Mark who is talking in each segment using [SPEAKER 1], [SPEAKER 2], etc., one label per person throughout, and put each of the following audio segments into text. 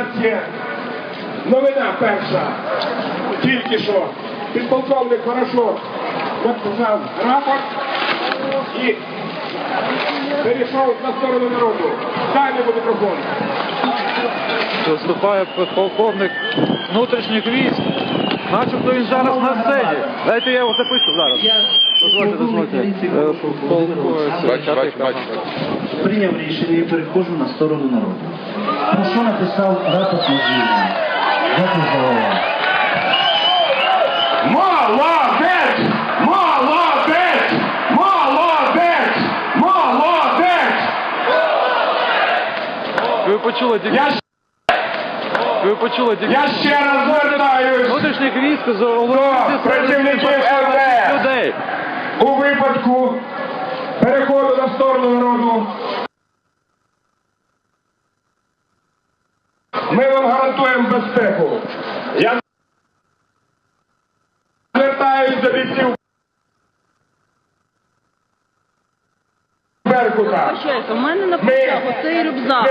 [SPEAKER 1] нас є новина перша. Тільки що підполковник хорошо написав рапорт і перейшов на сторону народу. Дай мені мікрофон.
[SPEAKER 2] Виступає полковник внутрішніх військ. Начебто він зараз на сцені. Дайте я його запишу зараз. Дозвольте. Бачу.
[SPEAKER 3] Прийняв рішення і переходжу на сторону народу. Про що написав рапорт на звільнення? Дякую за увагу.
[SPEAKER 1] Молодець! Молодець! Молодець! Молодець!
[SPEAKER 2] Ви почули
[SPEAKER 1] Я ще раз звертаюсь
[SPEAKER 2] внутрішніх військ з
[SPEAKER 1] до працівників
[SPEAKER 2] людей.
[SPEAKER 1] У випадку переходу на сторону народу ми вам гарантуємо безпеку. Я звертаюсь до бійців Беркута.
[SPEAKER 4] У мене написав оцей рюкзак.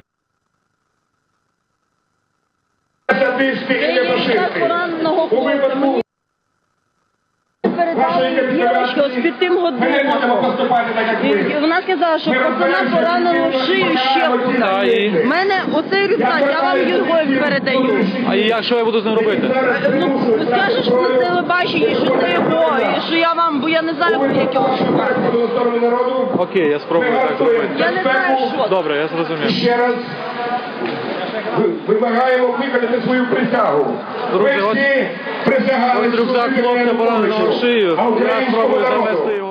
[SPEAKER 1] Садисти і нефашисти.
[SPEAKER 4] Пораненого
[SPEAKER 1] У
[SPEAKER 4] хлопця.
[SPEAKER 1] випадку
[SPEAKER 4] Передали дівчинку з під тим
[SPEAKER 1] ми не будемо
[SPEAKER 4] годинником.
[SPEAKER 1] поступати так, як
[SPEAKER 4] І
[SPEAKER 1] ви.
[SPEAKER 4] вона сказала, що пацана поранено в шию щепкою. У мене оцей рюкзак, я вам його передаю.
[SPEAKER 2] А якщо я буду з ним робити?
[SPEAKER 4] Ну, скажеш по телебаченню, що це його, і що я вам, бо я не знаю, як його шукати.
[SPEAKER 1] Переходу на сторону народу.
[SPEAKER 2] Окей, я спробую так зробити.
[SPEAKER 4] Я не знаю, що.
[SPEAKER 2] Добре, я зрозумів.
[SPEAKER 1] Ще раз вимагаємо виконати свою присягу.
[SPEAKER 2] Друзі,
[SPEAKER 1] Ви всі присягали
[SPEAKER 2] Ось рюкзак
[SPEAKER 1] служити
[SPEAKER 2] хлопця пораненого в шию.
[SPEAKER 1] а
[SPEAKER 2] Я
[SPEAKER 1] українському
[SPEAKER 2] спробую
[SPEAKER 1] народу.
[SPEAKER 2] занести його.